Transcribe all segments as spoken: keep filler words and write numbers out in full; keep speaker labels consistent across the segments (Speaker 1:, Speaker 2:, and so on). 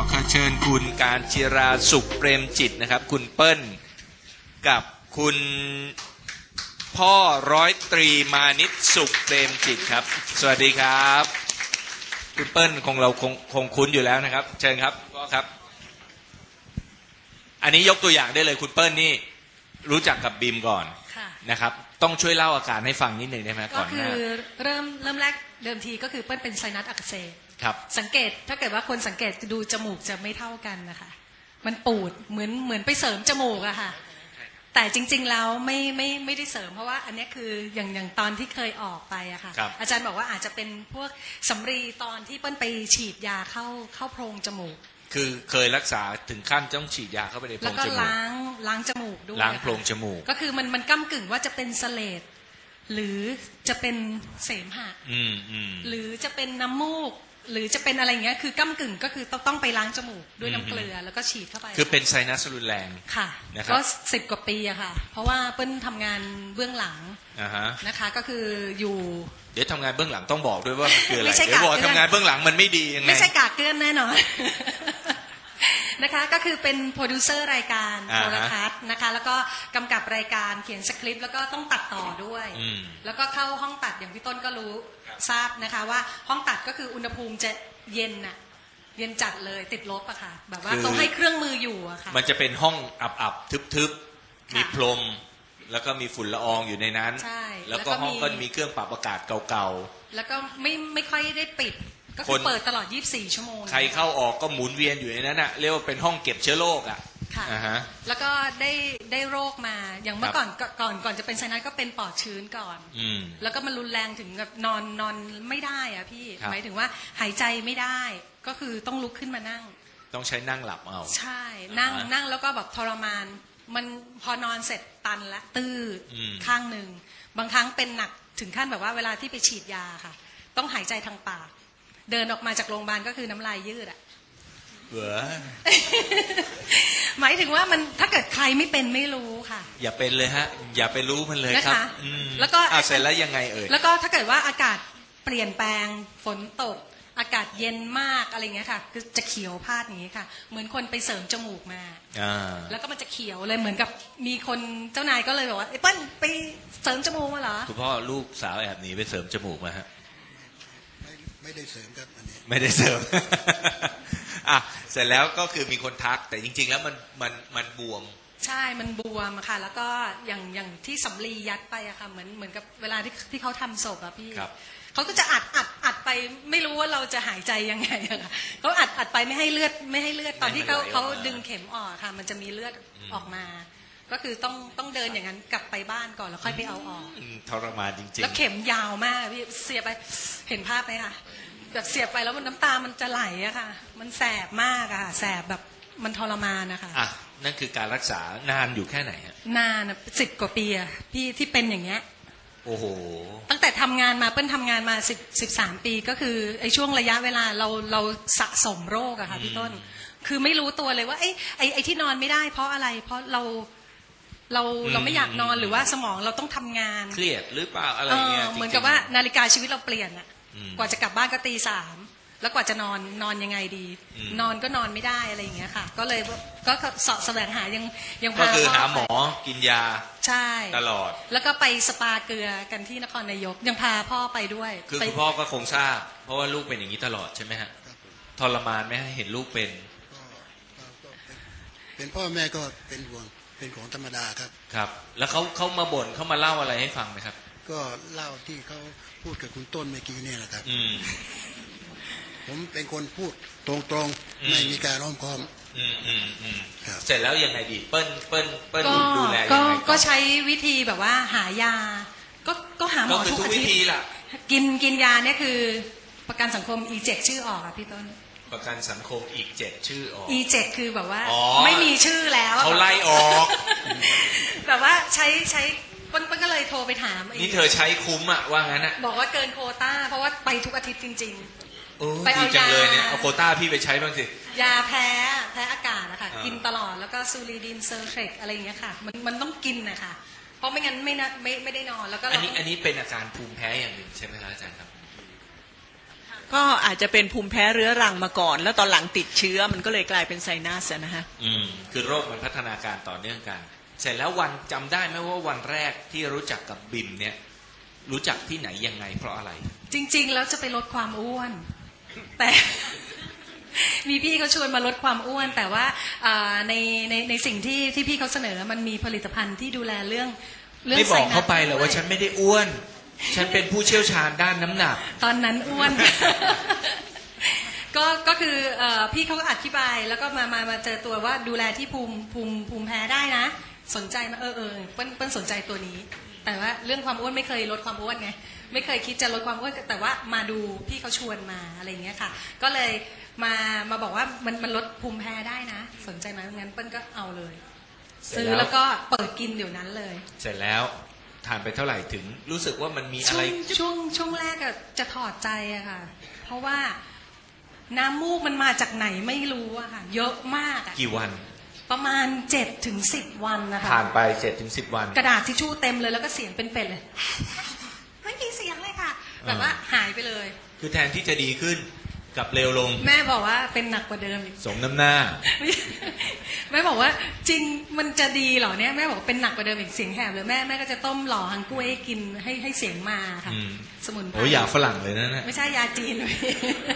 Speaker 1: ขอเชิญคุณการจิราสุขเปรมจิตนะครับคุณเปิ้ลกับคุณพ่อร้อยตรีมานิชสุขเปรมจิตครับสวัสดีครับคุณเปิ้ลคงเราคงคงคุ้นอยู่แล้วนะครับเชิญครับพ่อครับอันนี้ยกตัวอย่างได้เลยคุณเปิ้ลนี่รู้จักกับบีมก่อนนะครับต้องช่วยเล่าอาการให้ฟังนิดหนึ่งได้ไหมก่อนหน้าก็คือ
Speaker 2: เริ่มเริ่มแรกเดิมทีก็คือเปิ้ลเป็นไซนัสอักเสบสังเกตถ้าเกิดว่าคนสังเกตดูจมูกจะไม่เท่ากันนะคะมันปูดเหมือนเหมือนไปเสริมจมูกอะค่ะแต่จริงๆแล้วไม่ไม่ไม่ได้เสริมเพราะว่าอันนี้คืออย่างอย่างตอนที่เคยออกไปอะค่ะอาจารย์บอกว่าอาจจะเป็นพวกสำลีตอนที่เปิ้ลไปฉีดยาเข้าเข้าโพรงจมูก
Speaker 1: คือเคยรักษาถึงขั้นต้องฉีดยาเข้าไปในโพรงจมูก
Speaker 2: แล้วก็ล้างล้างจมูกด้วย
Speaker 1: ล้างโพรงจมูก
Speaker 2: ก็คือมันมันก้ำกึ่งว่าจะเป็นเสลดหรือจะเป็นเสมหะหรือจะเป็นน้ำมูกหรือจะเป็นอะไรเงี้ยคือก้ำกึ่งก็คือต้องต้องไปล้างจมูกด้วยน้ำเกลือแล้วก็ฉีดเข้าไป
Speaker 1: คือเป็นไซนัสรุนแรง
Speaker 2: ค่ะก็สิบกว่าปีอะค่ะเพราะว่าเปิ้ลทำงานเบื้องหลังนะคะก็คืออยู่
Speaker 1: เดี๋ยวทำงานเบื้องหลังต้องบอกด้วยว่ามันคืออะไรเดี๋ยวบอกทำงานเบื้องหลังมันไม่ดียังไง
Speaker 2: ไม่ใช่กากเกลื่อนแน่นอนนะคะก็คือเป็นโปรดิวเซอร์รายการโทรทัศน์นะคะแล้วก็กำกับรายการเขียนสคริปต์แล้วก็ต้องตัดต่อด้วยแล้วก็เข้าห้องตัดอย่างพี่ต้นก็รู้ทราบนะคะว่าห้องตัดก็คืออุณหภูมิจะเย็นน่ะเย็นจัดเลยติดลบอะค่ะแบบว่าต้องให้เครื่องมืออยู่อะค่ะ
Speaker 1: มันจะเป็นห้องอับๆทึบๆมีพรมแล้วก็มีฝุ่นละอองอยู่ในนั้นแล้วก็ห้องก็มีเครื่องปรับอากาศเก่า
Speaker 2: ๆแล้วก็ไม่ไม่ค่อยได้ปิดก็คือเปิดตลอดยี่สิบสี่ชั่วโมง
Speaker 1: ใครเข้าออกก็หมุนเวียนอยู่ในนั้นอะเรียกว่าเป็นห้องเก็บเชื้อโรคอะ
Speaker 2: ค่ะแล้วก็ได้ได้โรคมาอย่างเมื่อก่อนก่อนก่อนจะเป็นไซนัสก็เป็นปอดชื้นก่อนแล้วก็มันรุนแรงถึงแบบนอนนอนไม่ได้อะพี่หมายถึงว่าหายใจไม่ได้ก็คือต้องลุกขึ้นมานั่ง
Speaker 1: ต้องใช้นั่งหลับเอา
Speaker 2: ใช่นั่งนั่งแล้วก็แบบทรมานมันพอนอนเสร็จตันละตื้อข้างหนึ่งบางครั้งเป็นหนักถึงขั้นแบบว่าเวลาที่ไปฉีดยาค่ะต้องหายใจทางปากเดินออกมาจากโรงพยาบาลก็คือน้ำลายยืดอะ
Speaker 1: เบื่อ
Speaker 2: หมายถึงว่ามันถ้าเกิดใครไม่เป็นไม่รู้ค่ะ
Speaker 1: อย่าเป็นเลยฮะอย่าไปรู้มันเลยครับ
Speaker 2: แล้วก็
Speaker 1: เสร็จแล้วยังไงเอ่ย
Speaker 2: แล้วก็ถ้าเกิดว่าอากาศเปลี่ยนแปลงฝนตกอากาศเย็นมากอะไรเงี้ยค่ะคือจะเขียวพาดอย่างนี้ค่ะเหมือนคนไปเสริมจมูกมาแล้วก็มันจะเขียวเลยเหมือนกับมีคนเจ้านายก็เลยบอกว่าไอ้เปิ้ลไปเสริมจมูกมาเหรอ
Speaker 1: คุณพ่อลูกสาวแอบหนีไปเสริมจมูกมาฮะ
Speaker 3: ไม่ได้เสริมครับอันนี้
Speaker 1: ไม่ได้เสริมอ่ะเสร็จแล้วก็คือมีคนทักแต่จริงๆแล้วมันมันมันบวม
Speaker 2: ใช่มันบวมค่ะแล้วก็อย่างอย่างที่สำลียัดไปอะค่ะเหมือนเหมือนกับเวลาที่ที่เขาทำศพอะพี่เขาก็จะอัดอัดอัดไปไม่รู้ว่าเราจะหายใจยังไงอะค่ะเขาอัดอัดไปไม่ให้เลือดไม่ให้เลือดตอนที่เขาเขาดึงเข็มออกค่ะมันจะมีเลือดออกมาก็คือต้องต้องเดินอย่างนั้นกลับไปบ้านก่อนแล้วค่อยไปเอาออก
Speaker 1: ทรมานจริงๆ
Speaker 2: แล้วเข็มยาวมากพี่เสียบไปเห็นภาพไหมคะแบบเสียบไปแล้วมันน้ำตามันจะไหลอะค่ะมันแสบมากอะค่ะแสบแบบมันทรมานนะคะ
Speaker 1: อ่ะนั่นคือการรักษานานอยู่แค่ไหนฮะ
Speaker 2: นานสิบกว่าปีอะพี่ที่เป็นอย่างเงี้ย
Speaker 1: โอ้โห
Speaker 2: ตั้งแต่ทำงานมาเปิ้ลทำงานมาสิบสิบสามปีก็คือไอ้ช่วงระยะเวลาเราเราสะสมโรคอะค่ะพี่ต้นคือไม่รู้ตัวเลยว่าไอ้ไอ้ไอ้ที่นอนไม่ได้เพราะอะไรเพราะเราเราเราไม่อยากนอนหรือว่าสมองเราต้องทำงาน
Speaker 1: เครียดหรือเปล่าอะไรเงี้ย
Speaker 2: เหมือนกับว่านาฬิกาชีวิตเราเปลี่ยนอะกว่าจะกลับบ้านก็ตีสามแล้วกว่าจะนอนนอนยังไงดีนอนก็นอนไม่ได้อะไรอย่างเงี้ยค่ะก็เลยก็เสาะแสวงหายังยัง
Speaker 1: พาก็คือหาหมอกินยา
Speaker 2: ใช่
Speaker 1: ตลอด
Speaker 2: แล้วก็ไปสปาเกลือกันที่นครนายกยังพาพ่อไปด้วย
Speaker 1: คือคุณพ่อก็คงทราบเพราะว่าลูกเป็นอย่างนี้ตลอดใช่ไหมฮะทรมานไหมเห็นลูกเป็น
Speaker 3: เป็นพ่อแม่ก็เป็นห่วงเป็นของธรรมดาครับ
Speaker 1: ครับแล้วเขาเขามาบ่นเขามาเล่าอะไรให้ฟังไหมครับ
Speaker 3: ก็เล่าที่เขาพูดกับคุณต้นเมื่อกี้นี่แหละครับผมเป็นคนพูดตรงๆไม่มีการอ้อมค้อม
Speaker 1: เสร็จแล้วยังไงดีเปิ้ลเปิ้ลเปิ้ลดูแลยัง
Speaker 2: ไงก็ใช้วิธีแบบว่าหายาก็ก็หาหมอทุกอาทิตย์กินกินยาเนี่ยคือประกันสังคม อี เจ็ด ชื่อออกอ่ะพี่ต้น
Speaker 1: ประกันสังคมอีกเจ็ดชื่อออก
Speaker 2: อี เจ็ด คือแบบว่าไม่มีชื่อแล้ว
Speaker 1: เขาไล่ออก
Speaker 2: แบบว่าใช้ใช้เปิ้ลก็เลยโทรไปถาม
Speaker 1: นี่เธอใช้คุ้มอะว่างั้นอะ
Speaker 2: บอกว่าเกินโควต้าเพราะว่าไปทุกอาทิตย์จริง
Speaker 1: ๆไปเอายาเลยเนี่ยเอาโควต้าพี่ไปใช้บ้างสิ
Speaker 2: ยาแพ้แพ้อากาศนะคะกินตลอดแล้วก็ซูริดินเซอร์เทรกอะไรอย่างเงี้ยค่ะมันมันต้องกินนะคะเพราะไม่งั้นไม่นะไม่ไม่ได้นอนแล้วก็
Speaker 1: อันนี้อันนี้เป็นอาการภูมิแพ้อย่างหนึ่งใช่ไหมครับอาจารย์ครับ
Speaker 4: ก็อาจจะเป็นภูมิแพ้เรื้อรังมาก่อนแล้วตอนหลังติดเชื้อมันก็เลยกลายเป็นไซนัสนะฮะ
Speaker 1: อืมคือโรคมันพัฒนาการต่อเนื่องกันเสร็จแล้ววันจำได้ไหมว่าวันแรกที่รู้จักกับบิมเนี่ยรู้จักที่ไหนยังไงเพราะอะไร
Speaker 2: จริงๆแล้วจะไปลดความอ้วนแต่ มีพี่เขาชวนมาลดความอ้วนแต่ว่าในในในสิ่งที่ที่พี่เขาเสนอมันมีผลิตภัณฑ์ที่ดูแลเรื่องเรื่อง
Speaker 1: ไม่บอกเขาไปเหรอว่าฉันไม่ได้อ้วนฉันเป็นผู้เชี่ยวชาญด้านน้ำหนัก
Speaker 2: ตอนนั้นอ้วน ก็ก็คือพี่เขาก็อธิบายแล้วก็มามามาเจอตัวว่าดูแลที่ภูมิภูมิภูมิแพ้ได้นะสนใจมาเออเออเปิ้ลเปิ้ลสนใจตัวนี้แต่ว่าเรื่องความอ้วนไม่เคยลดความอ้วนไงไม่เคยคิดจะลดความอ้วนแต่ว่ามาดูพี่เขาชวนมาอะไรอย่างเงี้ยค่ะก็เลยมามาบอกว่ามันมันลดภูมิแพ้ได้นะสนใจไหมงั้นเปิ้ลก็เอาเลยซื้อแล้วก็เปิดกินเดี๋ยวนั้นเลย
Speaker 1: เสร็จแล้วทานไปเท่าไหร่ถึงรู้สึกว่ามันมีอะไร
Speaker 2: ช่วงช่วงแรกจะถอดใจอะค่ะเพราะว่าน้ำมูกมันมาจากไหนไม่รู้อะค่ะเยอะมาก
Speaker 1: กี่วัน
Speaker 2: ประมาณเจ็ดถึงสิบวันนะคะ
Speaker 1: ผ่านไปเจ็ดถึงสิบวัน
Speaker 2: กระดาษทิชชู่เต็มเลยแล้วก็เสียงเป็นเป็ดเลยไม่มีเสียงเลยค่ะแบบว่าหายไปเลย
Speaker 1: คือแทนที่จะดีขึ้นกับเร็วลง
Speaker 2: แม่บอกว่าเป็นหนักกว่าเดิม
Speaker 1: สมน้ำหน้า
Speaker 2: แม่บอกว่าจริงมันจะดีเหรอเนี่ยแม่บอกเป็นหนักกว่าเดิมอีกเสียงแหบเลยแม่แม่ก็จะต้มหล่อฮังกุ้ยให้กินให้ให้เสียงมาค่ะสมุนไพร
Speaker 1: โอ้ยาฝรั่งเลยนะเนี่ย
Speaker 2: ไม่ใช่ยาจีนเลย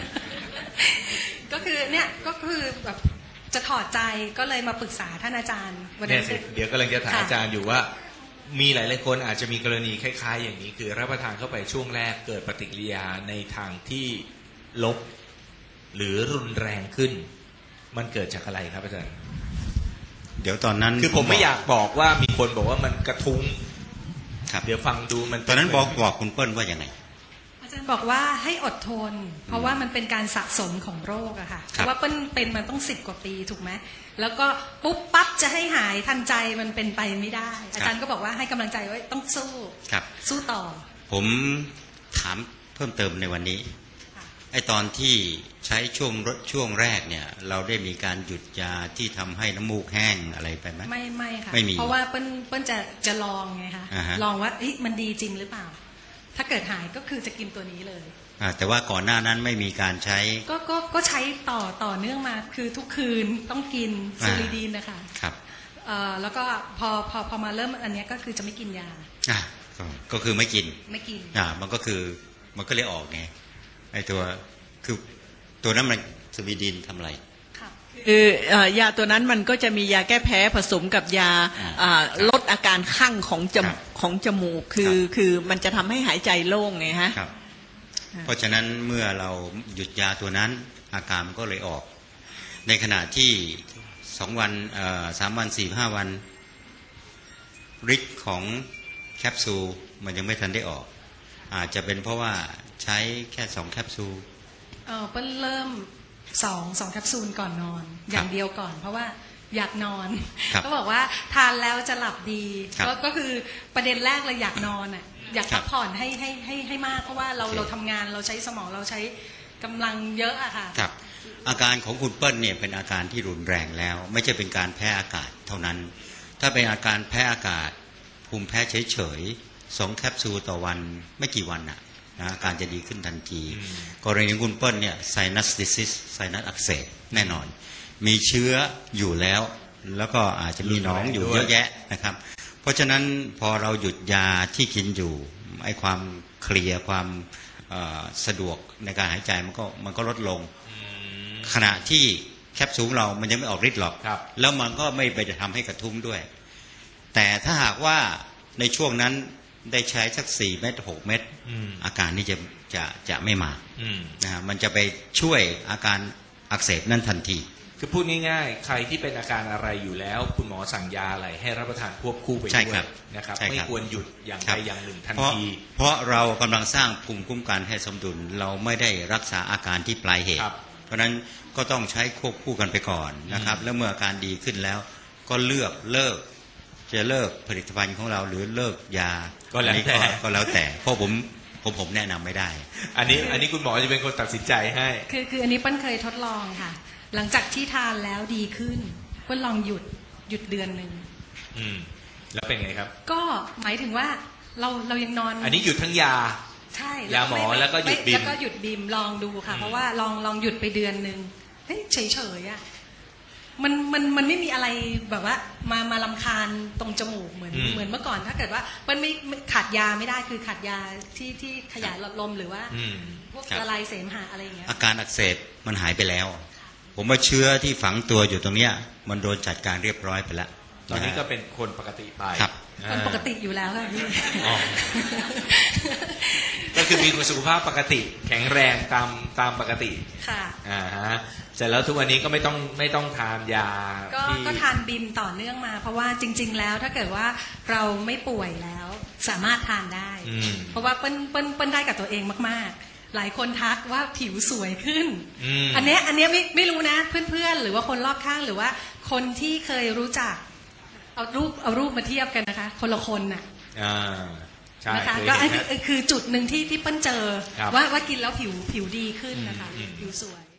Speaker 2: ก็คือเนี่ยก็คือแบบจะถอดใจก็เลยมาปรึกษาท่านอาจารย์
Speaker 1: วันนี้เดี๋ยวกำลังจะถามอาจารย์อยู่ว่ามีหลายๆคนอาจจะมีกรณีคล้ายๆอย่างนี้คือรับประทานเข้าไปช่วงแรกเกิดปฏิกิริยาในทางที่ลบหรือรุนแรงขึ้นมันเกิดจากอะไรครับอาจารย์
Speaker 5: เดี๋ยวตอนนั้น
Speaker 1: คือผมไม่อยากบอกว่ามีคนบอกว่ามันกระทุ้งครับเดี๋ยวฟังดูมัน
Speaker 5: ตอนนั้นบอกบอกคุณเปิ้ลว่าอย่างไง
Speaker 2: อาจารย์บอกว่าให้อดทนเพราะว่ามันเป็นการสะสมของโรคอะค่ะเพราะว่าเปิ้ลเป็นมันต้องสิบกว่าปีถูกไหมแล้วก็ปุ๊บปั๊บจะให้หายทันใจมันเป็นไปไม่ได้อาจารย์ก็บอกว่าให้กำลังใจไว้ต้องสู้สู้ต่อ
Speaker 5: ผมถามเพิ่มเติมในวันนี้ไอตอนที่ใช้ช่วงช่วงแรกเนี่ยเราได้มีการหยุดยาที่ทำให้น้ำมูกแห้งอะไรไปไหม
Speaker 2: ไม่ไม่ค่ะไม่มีเพราะว่าเปิ้ลเปิ้ลจะจะลองไงคะลองว่ามันดีจริงหรือเปล่าถ้าเกิดหายก็คือจะกินตัวนี้เลย
Speaker 5: แต่ว่าก่อนหน้านั้นไม่มีการใช้
Speaker 2: ก็ก็ก็ใช้ต่อต่อเนื่องมาคือทุกคืนต้องกินซูริดีนนะคะ
Speaker 5: ครับ
Speaker 2: แล้วก็พอพอพอมาเริ่มอันนี้ก็คือจะไม่กินยา
Speaker 5: อ่าก็คือไม่กิน
Speaker 2: ไม่กิน
Speaker 5: อ่ามันก็คือมันก็เลยออกไงไอตัวคือตัวนั้นมันซูริดีนทำอะไร
Speaker 4: คือยาตัวนั้นมันก็จะมียาแก้แพ้ผสมกับยาลดอาการคั่งของจมูกของจมูกคือคือมันจะทำให้หายใจโล่งไงฮะ
Speaker 5: เพราะฉะนั้นเมื่อเราหยุดยาตัวนั้นอาการมันก็เลยออกในขณะที่สองวันสามวันสี่ห้าวันฤทธิ์ของแคปซูลมันยังไม่ทันได้ออกอาจจะเป็นเพราะว่าใช้แค่สองแคปซูล
Speaker 2: เออเพิ่งเริ่มสองสองแคปซูลก่อนนอนอย่างเดียวก่อนเพราะว่าอยากนอนก็บอกว่าทานแล้วจะหลับดีก็คือประเด็นแรกเลยอยากนอนอ่ะอยากพักผ่อนให้ให้ให้ให้มากเพราะว่าเราเราทำงานเราใช้สมองเราใช้กำลังเยอะอะค่ะ
Speaker 5: ครับอาการของคุณเปิ้ลเนี่ยเป็นอาการที่รุนแรงแล้วไม่ใช่เป็นการแพ้อากาศเท่านั้นถ้าเป็นอาการแพ้อากาศภูมิแพ้เฉยๆสองแคปซูลต่อวันไม่กี่วันน่ะนะอาการจะดีขึ้นทันทีกรณีคุณเปิ้ลเนี่ยไซนัสดิซิสไซนัสอักเสบแน่นอนมีเชื้ออยู่แล้วแล้วก็อาจจะมีหนองอยู่เยอะแยะนะครับเพราะฉะนั้นพอเราหยุดยาที่กินอยู่ไอ้ความเคลียร์ความสะดวกในการหายใจมันก็มันก็ลดลงขณะที่แคปซูลเรามันยังไม่ออกฤทธิ์หรอกแล้วมันก็ไม่ไปทำให้กระทุ้งด้วยแต่ถ้าหากว่าในช่วงนั้นได้ใช้สักสี่เม็ดหกเม็ดอาการนี้จะจะจะไม่มานะฮะมันจะไปช่วยอาการอักเสบนั่นทันที
Speaker 1: คือพูดง่ายๆใครที่เป็นอาการอะไรอยู่แล้วคุณหมอสั่งยาอะไรให้รับประทานควบคู่ไปด้วยนะครับไม่ควรหยุดอย่างใดอย่างหนึ่งทันที
Speaker 5: เพราะเรากำลังสร้างภูมิคุ้มกันให้สมดุลเราไม่ได้รักษาอาการที่ปลายเหตุเพราะฉะนั้นก็ต้องใช้ควบคู่กันไปก่อนนะครับแล้วเมื่ออาการดีขึ้นแล้วก็เลือกเลิกจะเลิกผลิตภัณฑ์ของเราหรือเลิกยา
Speaker 1: ก็แล้วแต่
Speaker 5: ก็แล้วแต่เพราะผมผมผมแนะนำไม่ได้
Speaker 1: อันนี้อันนี้คุณหมอจะเป็นคนตัดสินใจให้
Speaker 2: คือคืออันนี้เปิ้ลเคยทดลองค่ะหลังจากที่ทานแล้วดีขึ้นเปิ้ลลองหยุดหยุดเดือนหนึ่ง
Speaker 1: อืมแล้วเป็นไงครับ
Speaker 2: ก็หมายถึงว่าเราเรายังนอน
Speaker 1: อันนี้หยุดทั้งยา
Speaker 2: ใช่
Speaker 1: ยาหมอ
Speaker 2: ไ
Speaker 1: แล้วก็หยุดบิม
Speaker 2: แล้วก็หยุดบิมลองดูค่ะ เพราะว่าลองลองหยุดไปเดือนหนึ่งเฮ้ยเฉยเฉยๆอ่ะมันมันมันไม่มีอะไรแบบว่ามามาลำคาญตรงจมูกเหมือนเหมือนเมื่อก่อนถ้าเกิดว่ามันไม่ขาดยาไม่ได้คือขาดยาที่ที่ขยายหลอดลมหรือว่าพวกละลายเสมหะอะไรอย่างเงี้ย
Speaker 5: อาการอักเสบมันหายไปแล้วผมว่าเชื้อที่ฝังตัวอยู่ตรงเนี้ยมันโดนจัดการเรียบร้อยไปแล้ว
Speaker 1: ตอนนี้ก็เป็นคนปกติไป
Speaker 5: ครับ
Speaker 2: คนปกติอยู่แล้วค่ะพี่
Speaker 1: ก็คือมีสุขภาพปกติแข็งแรงตามตามปกติ
Speaker 2: ค่ะ
Speaker 1: อ่าฮะเสร็จแล้วทุกวันนี้ก็ไม่ต้องไม่ต้องทานยา
Speaker 2: ก็ก็ทานบิมต่อเนื่องมาเพราะว่าจริงๆแล้วถ้าเกิดว่าเราไม่ป่วยแล้วสามารถทานได้เพราะว่าเปิ้ลเปิ้ลเปิ้ลได้กับตัวเองมากๆหลายคนทักว่าผิวสวยขึ้นอันเนี้ยอันเนี้ยไม่ไม่รู้นะเพื่อนๆหรือว่าคนรอบข้างหรือว่าคนที่เคยรู้จักเอารูปเอารูปมาเทียบกันนะคะคนละคนน่ะนะคะก็อันนี้คือจุดหนึ่งที่ที่เปิ้ลเจอว่าว่ากินแล้วผิวผิวดีขึ้นนะคะผิวสวย